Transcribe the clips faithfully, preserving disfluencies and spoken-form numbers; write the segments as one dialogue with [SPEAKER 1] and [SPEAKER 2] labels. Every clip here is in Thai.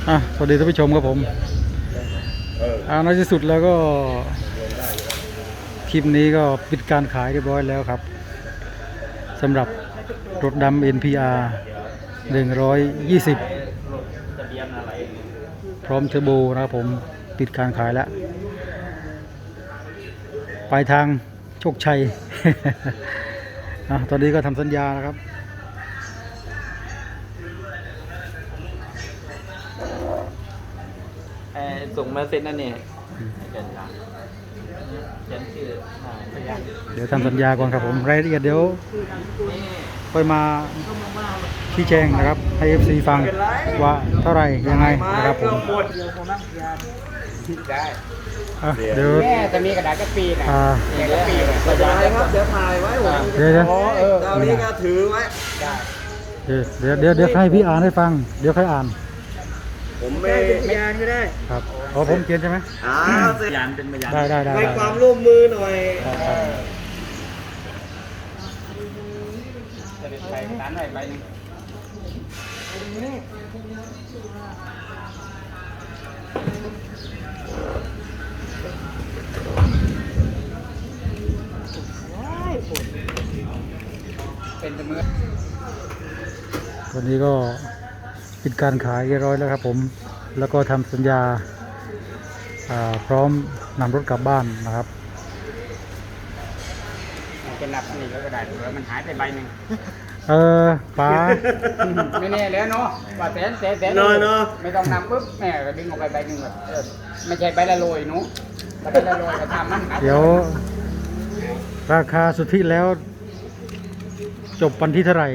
[SPEAKER 1] อ่ะสวัสดีท่านผู้ชมครับผมอ่าในที่สุดแล้วก็คลิปนี้ก็ปิดการขายเรียบร้อยแล้วครับสำหรับรถดำ เอ็น พี อาร์ หนึ่งร้อยยี่สิบพร้อมเทอร์โบนะครับผมปิดการขายแล้วปลายทางโชคชัย อ่ะตอนนี้ก็ทำสัญญานะครับ
[SPEAKER 2] ส่งมาเซ็นนั่นเนี่ย
[SPEAKER 1] เดี๋ยวทำสัญญาก่อนครับผมรายละเอียดเดี๋ยวค่อยมาชี้แจงนะครับให้ เอฟ ซี ฟังว่าเท่าไหร่ยังไงนะครับผมเดี๋ยว
[SPEAKER 2] แม่จะมีกระดาษกระปีนะกระปี
[SPEAKER 3] กระดาษครับเดี๋ยวถ่ายไว้ผม
[SPEAKER 1] เดี๋ยวเดี๋ยว
[SPEAKER 3] เจ้านี้ก็ถือไว้
[SPEAKER 1] เดี๋ยวเดี๋ยวเดี๋ยวให้พี่อ่านให้ฟังเดี๋ยวใครอ่าน
[SPEAKER 3] ผมไม่
[SPEAKER 2] พยานก็ได้
[SPEAKER 1] ครับอ๋อผมเขียนใช่ไหม
[SPEAKER 3] อ่า
[SPEAKER 2] พยานเป็นพยาน
[SPEAKER 1] ได้ได้ได้
[SPEAKER 3] ให้ความร่วมมือหน่อย
[SPEAKER 2] จะได้ไปร้านไหนไปนึงเป็นเสมือน
[SPEAKER 1] วันนี้ก็ปิดการขายเรียบร้อยแล้วครับผมแล้วก็ทำสัญญาพร้อมนำรถกลับบ้านนะครับ
[SPEAKER 2] จะนับนี่ก็ได้เดี๋ยวมันหายไปใบหนึ่ง
[SPEAKER 1] เออป๋า
[SPEAKER 2] ไม่แน่แล้วเนาะว่าแสนแสนแสนไม่ต้องนำปุ๊บแม่ก็ดึงออกไปใบหนึ่งเลยไม่ใช่ใบละโรยหนูใบละโรยก็ทำมัน
[SPEAKER 1] เดี๋ยวราคาสุทธิแล้วจบวันที่เท่าไหร่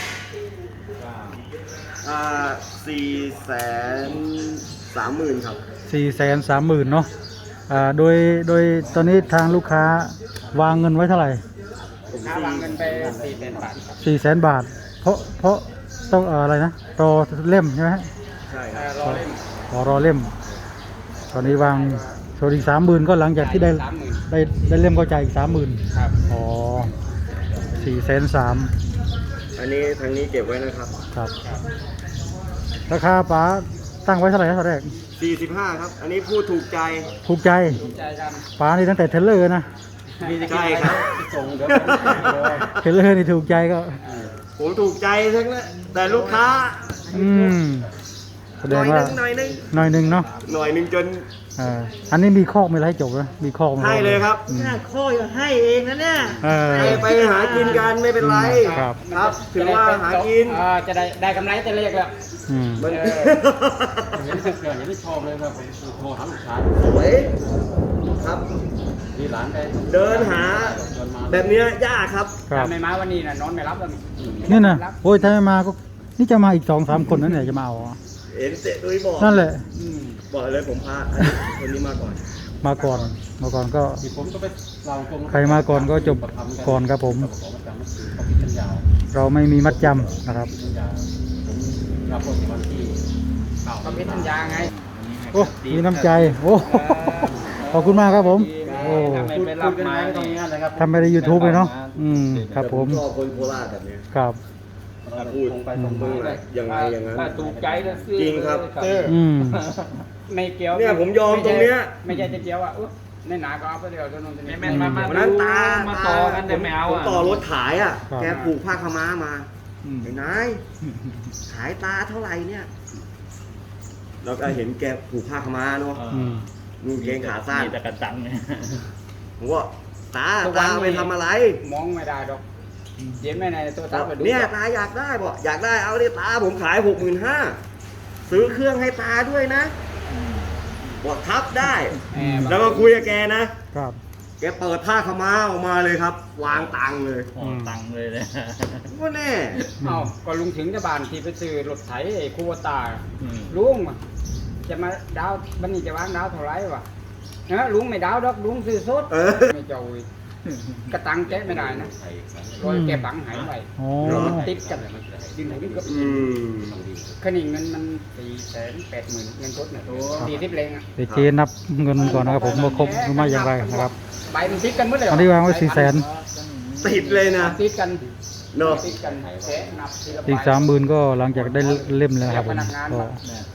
[SPEAKER 3] อ่าสี่แสนสามหมื่นครับ
[SPEAKER 1] สี่แสนสามหมื่นเนาะอ่าโดยโดยตอนนี้ทางลูกค้าวางเงินไว้เท่าไหร่
[SPEAKER 2] ลูกค้าวางเงินไปสี่แสนบาท
[SPEAKER 1] สี่แสนบาทเพราะเพราะต้องอะไรนะรอเล่มใช่ไหม
[SPEAKER 3] ใช่
[SPEAKER 2] รอเล่ม
[SPEAKER 1] รอรอเล่มตอนนี้วางโชว์อีกสามหมื่นก็หลังจากที่ได้ได้ได้เล่มก็จ่ายอีกสามหมื่น
[SPEAKER 2] ครับ
[SPEAKER 1] อ๋อสี่แสนสาม
[SPEAKER 3] อันนี้ทางนี้เก็บไว้นะครับ
[SPEAKER 1] ครับราคาป๋าตั้งไว้เท่าไหร่นะตอนแรก
[SPEAKER 3] สี่สิบห้าครับอันนี้พูดถูกใจ
[SPEAKER 1] ถูกใจป๋านี่ตั้งแต่เทเลอร์นะ
[SPEAKER 3] ใช่ครับ
[SPEAKER 1] เทเลอร์นี่ถูกใจก็
[SPEAKER 3] ผมถูกใจทั้งนั้นแต่ลูกค้า
[SPEAKER 1] อืมแสดงว่า
[SPEAKER 3] หน่อยนึง
[SPEAKER 1] หน่อยนึงเนาะ
[SPEAKER 3] หน่อยนึงจน
[SPEAKER 1] อ่าอันนี้มีข้อมีอะไรให้จบนะมีข้อ
[SPEAKER 3] ให้เลยครับ
[SPEAKER 2] ข้อจะให้เองนะเนี่ย
[SPEAKER 3] ไปหากินกันไม่เป็นไร
[SPEAKER 1] ครับ
[SPEAKER 3] ครับถือว่าหากิน
[SPEAKER 2] จะได้ได้กำไรแต่เล็กแล้ว
[SPEAKER 1] อืม
[SPEAKER 2] มันยังไม่เกิดยังไม่ชอบเลยครับผมโทรหาลูกค้า
[SPEAKER 3] สวยครับ
[SPEAKER 2] ที่ร้านได้
[SPEAKER 3] เดินหาแบบนี้ยากครับ
[SPEAKER 2] ไม่มาวันนี้นะนอนไม่รับแล้ว
[SPEAKER 1] นี่นะโอ้ยถ้าไม่มาก็นี่จะมาอีกสองสามคนนั่นแหละจะมาเอา
[SPEAKER 3] เห็นเตะด้วยบอก
[SPEAKER 1] นั่นแหละ
[SPEAKER 3] บอกเลยผมพาคนนี้มาก่อน
[SPEAKER 1] มาก่อนมาก่อนก็ใครมาก่อนก็จบก่อนครับผมเราไม่มีมัดจำนะครับ
[SPEAKER 2] ก็มีสัญญาไง
[SPEAKER 1] โอ้มีน้ำใจโอ้ขอบคุณมากครับผมโอ้ทำไปในยูทูบเลยเนาะอืมครับผม
[SPEAKER 3] ชอบคนโคราชแบบนี้
[SPEAKER 1] ครับ
[SPEAKER 3] พูดไปตรงๆเลยยังไงอย่างนั้น
[SPEAKER 2] ถูกใจนะ
[SPEAKER 3] จริงครับ
[SPEAKER 1] อืม
[SPEAKER 2] ไม่เกี่ยว
[SPEAKER 3] เนี่ยผมยอมตรงเนี้ย
[SPEAKER 2] ไม่ใช่จะเกี่ยวอ่ะในหนาก็เอาไปเดียวจนนนจะ
[SPEAKER 3] ไม่มาวันนั้นตา
[SPEAKER 2] มาต่อกันแต่ไม่เอา
[SPEAKER 3] ผมต่อรถขายอ่ะแกผูกผ้าขม้ามาไอ้นายขายตาเท่าไหร่เนี่ยเราก็เห็นแกผูกผ้าขม้าเนาะนุ่งเกงขาสั้น
[SPEAKER 2] แต่กระตังเนี่ย
[SPEAKER 3] ผมว่าตาตาไปทำอะไร
[SPEAKER 2] มองไม่ได้ดอกเย็นไม่ในตัวตา
[SPEAKER 3] เนี่ยตาอยากได้บอกอยากได้เอาดิตาผมขายหกหมื่นห้าซื้อเครื่องให้ตาด้วยนะบอกทับได้แล้วก็คุยกับแกนะครับแกเปิดผ้าขม้าออกมาเลยครับวางตังเลย
[SPEAKER 2] ตังเลยเลย
[SPEAKER 3] ว่าแน่
[SPEAKER 2] เอ้าก็ลุงถึงจะบานที่ไปซื้อรถไถไอ้คูวตาลุงจะมาดาวบันนี้จะวางดาวเท่าไรวะเนะลุงไม่ดาวดอกลุงซื้อสดไม่เจ้ากระตังแกไม่ได้นะรอยแกบังหายไปติดกันดินไหนก็ขนิ่งเงินมันสี่แสนแปดหมื่นเงินสดเนี่ยสี่สิบเลงอ่ะ
[SPEAKER 1] เดี๋ยวเจนับเงินก่อนนะครับผมว่าครบหรือไม่อย่างไรนะครับ
[SPEAKER 2] ใบมันติดกันเมื่อไหร่
[SPEAKER 1] อันนี้วางไว้สี่แสน
[SPEAKER 3] ติดเลยนะ
[SPEAKER 2] ติดกัน
[SPEAKER 3] เนาะ
[SPEAKER 2] ติดกันแสนนับ
[SPEAKER 1] อีกสามหมื่นก็หลังจากได้เล่มแล้วครับผมก็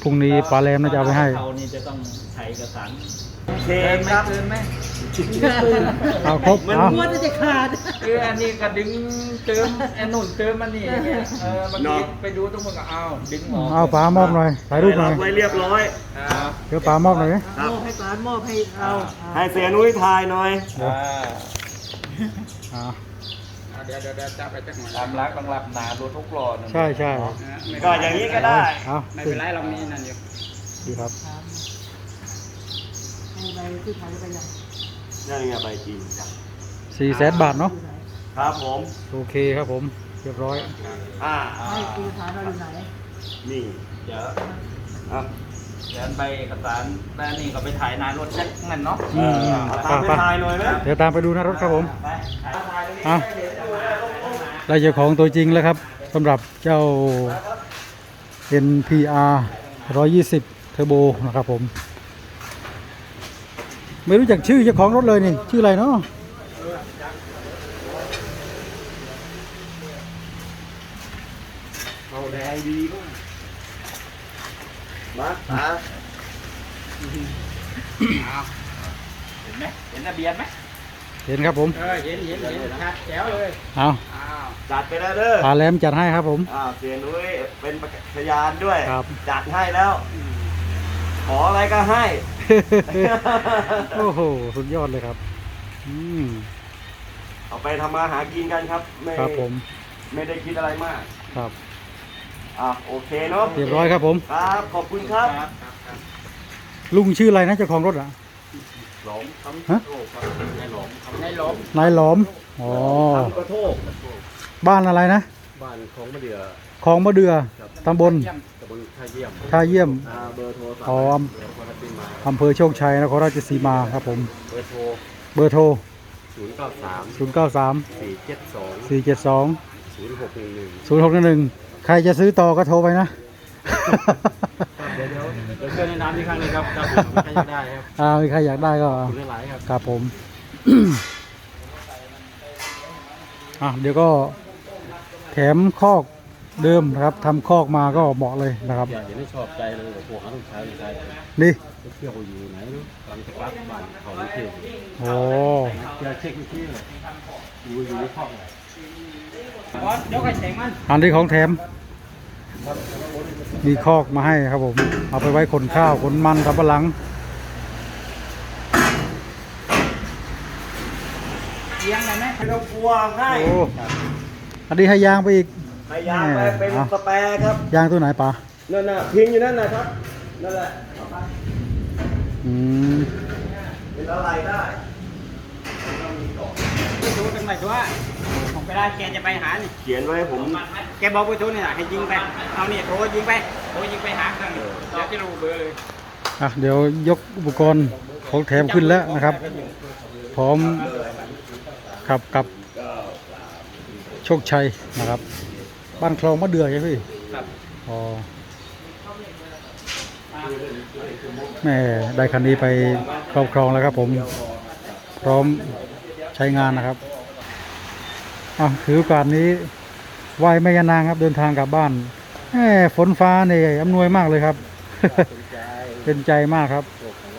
[SPEAKER 1] พรุ่งนี้ปลาแรมน่าจะเอาไปให้
[SPEAKER 4] เขานี่จะต้องใช้เอกสาร
[SPEAKER 3] โอเคครับ
[SPEAKER 4] เกินไหม
[SPEAKER 1] เอาครบ
[SPEAKER 3] มัน
[SPEAKER 1] เอา
[SPEAKER 4] มันจะขาดเอออันนี้ก็ดึงเติมไอ้นุ่นเติมมันนี่อย่างเงี้ยเออบางทีไปดูตรงมันก็เอาดึงออก
[SPEAKER 1] เอาปลามอบหน่อยถ่ายรูปหน่อย
[SPEAKER 3] ไว้เรียบร้อย
[SPEAKER 4] ครับ
[SPEAKER 1] เดี๋ยวปลามอบหน่อยไหม
[SPEAKER 3] ครับ
[SPEAKER 4] มอบให้ปานมอบให้เรา
[SPEAKER 3] ให้เสียนุ้ยทายหน่อย
[SPEAKER 1] เดี๋ยวอ่า
[SPEAKER 2] เดี๋ยวเดี๋ยวเดี๋ยวจับไปจักหน่อย
[SPEAKER 4] ตามรักบางหลับหนาโดนทุกหลอด
[SPEAKER 1] ใช่ใช่
[SPEAKER 3] ก็อย่างนี้ก็ได้
[SPEAKER 1] เอา
[SPEAKER 2] ไม่เป็นไรเรามีนั่นอยู่
[SPEAKER 1] ดีครับ
[SPEAKER 3] นั่นไงใบจริง
[SPEAKER 1] สี่แสนบาทเนาะ
[SPEAKER 3] ครับผม
[SPEAKER 1] โอเคครับผมเรียบร้อย
[SPEAKER 3] อ่า
[SPEAKER 4] ให้คือฐานเราอยู่ไหน
[SPEAKER 3] นี่
[SPEAKER 4] เดี๋ยว
[SPEAKER 3] อ่ะ
[SPEAKER 4] เดี๋ยวใบเอกสารแม่นี่ก็ไปถ่ายนายรถเช็คเงินเนาะ
[SPEAKER 1] อืม
[SPEAKER 3] เอา
[SPEAKER 1] ไป
[SPEAKER 3] ตามไป
[SPEAKER 1] ไป
[SPEAKER 3] ทายหน่อยไหม
[SPEAKER 1] เดี๋ยวตามไปดูหนะรถครับผม
[SPEAKER 4] ไปถ่ายตรงนี้
[SPEAKER 1] อ่ะได้เจ้าของตัวจริงแล้วครับสำหรับเจ้า เอ็น พี อาร์ หนึ่งร้อยยี่สิบ เทอร์โบนะครับผม ไม่รู้จักชื่อเจ้าของรถเลยนี่ ชื่ออะไรเนาะ
[SPEAKER 3] เอาแดงดีก็มาตา
[SPEAKER 4] เห็นไหมเห็นทะเบียนไหม
[SPEAKER 1] เห็นครับผม
[SPEAKER 2] เออเห็นเห็นเห็นชัดแจ๋วเลย
[SPEAKER 1] เอา
[SPEAKER 2] อ้าว
[SPEAKER 3] จัดไปแล้วเด้อ
[SPEAKER 1] ปลาแหลมจัดให้ครับผม
[SPEAKER 3] อ่าเสียนุ้ยเป็นพยานด้วย
[SPEAKER 1] ครับ
[SPEAKER 3] จัดให้แล้ว ขออะไรก็ให้
[SPEAKER 1] โอ้โห สุดยอดเลยครับ อืม
[SPEAKER 3] เอาไปทำมาหากินกันครับ ไม่
[SPEAKER 1] ครับผม
[SPEAKER 3] ไม่ได้คิดอะไรมาก
[SPEAKER 1] ครับ
[SPEAKER 3] อ่ะโอเคเนาะ
[SPEAKER 1] เรียบร้อยครับผม
[SPEAKER 3] ครับ ขอบคุณครับ
[SPEAKER 1] ลุงชื่ออะไรนะเจ้าของรถอ่ะ
[SPEAKER 3] หลงค
[SPEAKER 1] ฮะ
[SPEAKER 3] ำโทษครับในหลง
[SPEAKER 2] ในหลบ
[SPEAKER 1] นายหลอม อ๋อ
[SPEAKER 3] คำกระโทษ
[SPEAKER 1] บ้านอะไรนะ
[SPEAKER 3] บ้านของมะเดื่อ
[SPEAKER 1] คลองมะเดือตำบล
[SPEAKER 2] เยี่ยม
[SPEAKER 3] ตำบลท่าเยี่ยม
[SPEAKER 1] ท่าเยี่ยม
[SPEAKER 3] อ่าเบอร์โทรศัพท์
[SPEAKER 1] อ๋อ
[SPEAKER 3] เดี๋ยวคนละปีมา
[SPEAKER 1] อำเภอโชคชัยนครราชสีมาครับผม
[SPEAKER 3] เบอร์โทร
[SPEAKER 1] เบอร์โทร
[SPEAKER 3] ศูนย์เก้าสาม
[SPEAKER 1] ศูนย์ เก้า สาม
[SPEAKER 3] สี่เจ็ดสอง
[SPEAKER 1] สี่ เจ็ด สอง
[SPEAKER 3] ศูนย์หกหนึ่งหนึ่ง
[SPEAKER 1] ศูนย์ หก หนึ่ง ใครจะซื้อต่อก็โทรไปนะ
[SPEAKER 3] เดี๋ยวเดี๋ยวเดี๋ยวเชิญในน้ำอีกครั้งหนึงครับครับผมใครจะได้ครับ
[SPEAKER 1] อ่ามีใครอยากได้ก็
[SPEAKER 3] ขอบคุณหลายๆครับ
[SPEAKER 1] ครับผม อ่ะเดี๋ยวก็แถมคอกเดิมนะครับทำคอกมาก็เหมาะเลยนะครับ
[SPEAKER 3] อย่าอย่าได้ชอบใจเลยพวกเขาต้องใช้ใช้
[SPEAKER 1] นี่
[SPEAKER 3] เที่ยวอยู่ไหนเนอะกำลังจะปักบ้านเขาไม่เที่ยว
[SPEAKER 1] โอ้
[SPEAKER 3] เจอเช็คเมื่อกี้เลยอยู่อยู่ในห้องเลย
[SPEAKER 2] บอสยกไอ้เสียงมัน
[SPEAKER 1] อันนี้ของแถม มีคอกมาให้ครับผม เอาไปไว้ขนข้าวขนมันสำปะหลัง
[SPEAKER 2] เลี้ยงได้ไหม
[SPEAKER 3] ไม่ต้องกลัวให้
[SPEAKER 1] โอ้อันนี้ให้ยางไปอีก
[SPEAKER 3] พยายามไปเป็น
[SPEAKER 1] เอา
[SPEAKER 3] สแปรครับ
[SPEAKER 1] ยางตัวไหนปะ
[SPEAKER 3] นั่นน่ะพิงอยู่นั่นนะครับนั่นแหละเอาไป
[SPEAKER 1] อืม
[SPEAKER 3] เป็นอะไรได้
[SPEAKER 2] ไปดูกันหน่อยตัวผมไปได้แกจะไปหานี่
[SPEAKER 3] เขียนไว้ให้ผม
[SPEAKER 2] แกบอกไปทุนนี่แหละให้ยิงไป เอาเนี่ยโทรยิงไปโทรยิงไปหาเครื่องเดี๋ยวจะรู้เบอร์เลย
[SPEAKER 1] อ่ะเดี๋ยวยกอุปกรณ์ของแถมขึ้นแล้วนะครับ พร้อมขับกับโชคชัยนะครับ บ้านคลองมะเดือใช่ไหมพี่
[SPEAKER 2] ครับ
[SPEAKER 1] อ๋อแม่ได้คันนี้ไปครอบครองแล้วครับผม พร้อมใช้งานนะครับอ่ะถือโอกาสนี้ไหว้แม่ยานางครับเดินทางกลับบ้านแหมฝนฟ้าเนี่ยอำนวยมากเลยครับ เป็นใจมากครับ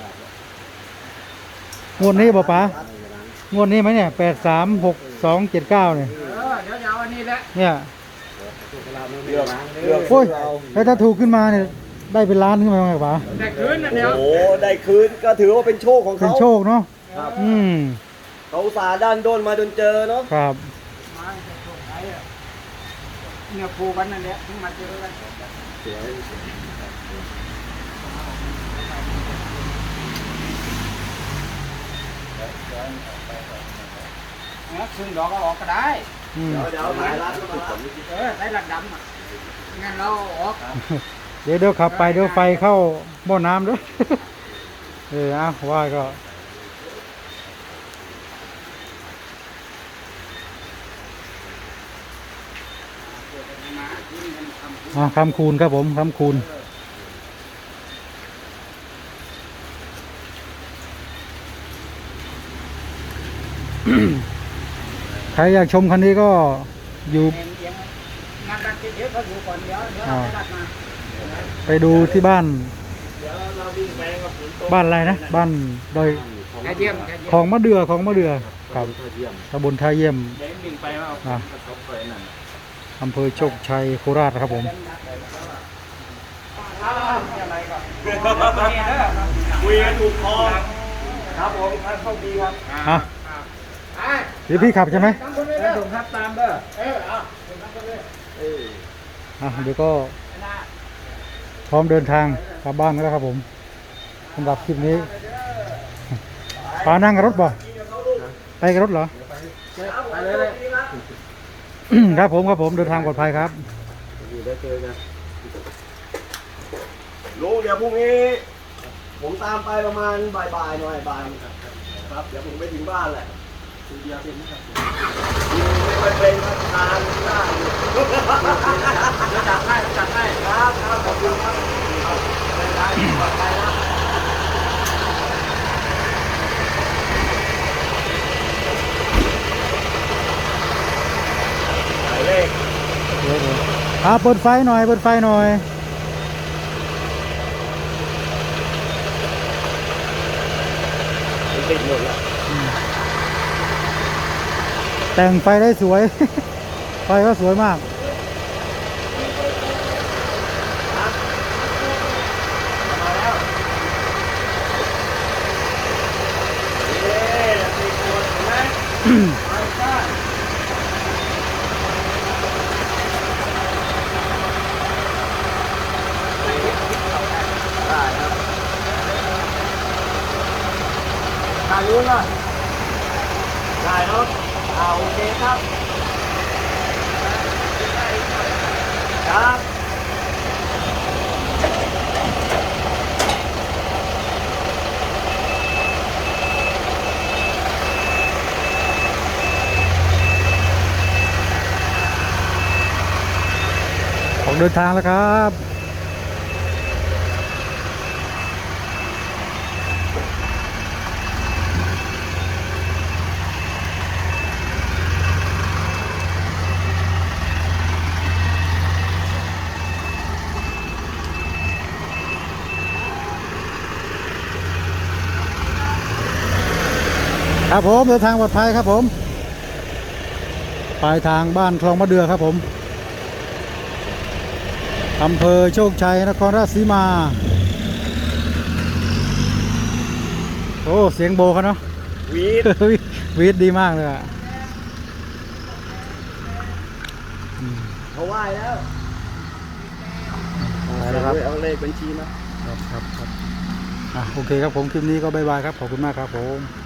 [SPEAKER 1] งวดนี้ป่ะป๋างวดนี้ไหมเนี่ยแปดสามหกสองเจ็ดเก้าเนี่ย
[SPEAKER 2] เออเดี๋ยวจะเอาอันนี้แหละ
[SPEAKER 1] เนี่ย
[SPEAKER 3] เลือกเลือก
[SPEAKER 1] โอ้ยแล้วถ้าถูกขึ้นมาเนี่ยได้เป็นล้านขึ้นมาไหมป๋า
[SPEAKER 2] แต่คืนน่ะเดี๋ยว
[SPEAKER 3] โอ้โหได้คืนก็ถือว่าเป็นโชคของ
[SPEAKER 1] เป็น
[SPEAKER 3] เขา
[SPEAKER 1] โชคเนาะ
[SPEAKER 3] ครับ
[SPEAKER 1] อืม
[SPEAKER 3] เขาอุตสาห์ด้านโดนมาจนเจอเนาะ
[SPEAKER 1] ครับ
[SPEAKER 2] มาจะส่งไหนอ่ะเนี่ยผูกันนั่นแหละถึงมาเจอกันนะซึ่งดอกก็ออกก็ได้
[SPEAKER 1] อืม
[SPEAKER 3] เดี๋ยวเดี๋ยวหลายร้านก็มารับ
[SPEAKER 2] เออได้ระดำอ่ะงั้นเราออก
[SPEAKER 1] เดี๋ยวเดี๋ยวขับไปเดี๋ยวไฟเข้าหม้อน้ำด้วย เออเอาว่าก็อ่าคำคูณครับผมคำคูณ ใครอยากชมคันนี้ก็อยู่
[SPEAKER 2] เอียงๆงัดดันเดี๋ยวเขาอยู่ก่อนเดี๋ยวเดี๋ยวเราไปดัดมา
[SPEAKER 1] ไปดูที่บ้าน บ้านอะไรนะ บ้านดอย
[SPEAKER 2] แค่เยี่ยมแค่เยี่ยม
[SPEAKER 1] ของมะเดื่อของมะเดื่อครับตำบลท่าเยี่ยม
[SPEAKER 4] เด้งดิ่งไปว่า
[SPEAKER 1] นะ
[SPEAKER 4] กระทบไปนั่น
[SPEAKER 1] อำเภอโชคชัยโคราชนะครับผม
[SPEAKER 3] คุยกันถูกคอครับผมครับโชคดีครับ
[SPEAKER 1] อ่ะเดี๋ยวพี่ขับใช่ไหม
[SPEAKER 2] แล้วผมครับตามเด้อ
[SPEAKER 1] อ่ะเดี๋ยวก็พร้อมเดินทางกลับบ้านแล้วครับผมสำหรับคลิปนี้ปานั่งกับรถบ่ไปกับรถเหรอ
[SPEAKER 2] ไปเลยเลย
[SPEAKER 1] ครับผมครับผมเดินทางปลอดภัยครับ
[SPEAKER 3] ลุงเดี๋ยวพรุ่งนี้ ผมตามไปประมาณบ่ายๆหน่อยบ่ายครับเดี๋ยวผมไปถึงบ้านแหละคุณเดียวเป็นไม่ค่อยเป็นครับทานได้อยู่
[SPEAKER 4] จัดให้จัดให้
[SPEAKER 3] ครับครับขอบคุณครับได้ได้ปลอดภัยนะหมายเลข
[SPEAKER 1] อ่าเปิดไฟหน่อยเปิดไฟหน่อย
[SPEAKER 3] ติดหมดแล้ว
[SPEAKER 1] แต่งไฟได้สวย ไฟก็สวยมาก
[SPEAKER 3] เย้ติดหมดเห็นไหมไปจ้าได้ครับถ่ายรูปหน่อยได้เนาะอ่าโอเคครับครับ
[SPEAKER 1] ออกเดินทางแล้วครับ ครับผมเดินทางปลอดภัยครับผมปลายทางบ้านคลองมะเดื่อครับผมอำเภอโชคชัยนครราชสีมา โอ้เสียงโบเขาเนาะ
[SPEAKER 3] วีด
[SPEAKER 1] วีดดีมากเลยอ่ะ
[SPEAKER 3] เขาไหว้แล้ว
[SPEAKER 1] ไปแล้วครับ
[SPEAKER 3] เอาเลขบัญชีมา
[SPEAKER 1] ครับครับครับอ่ะโอเคครับผมคลิปนี้ก็บายบายครับขอบคุณมากครับผม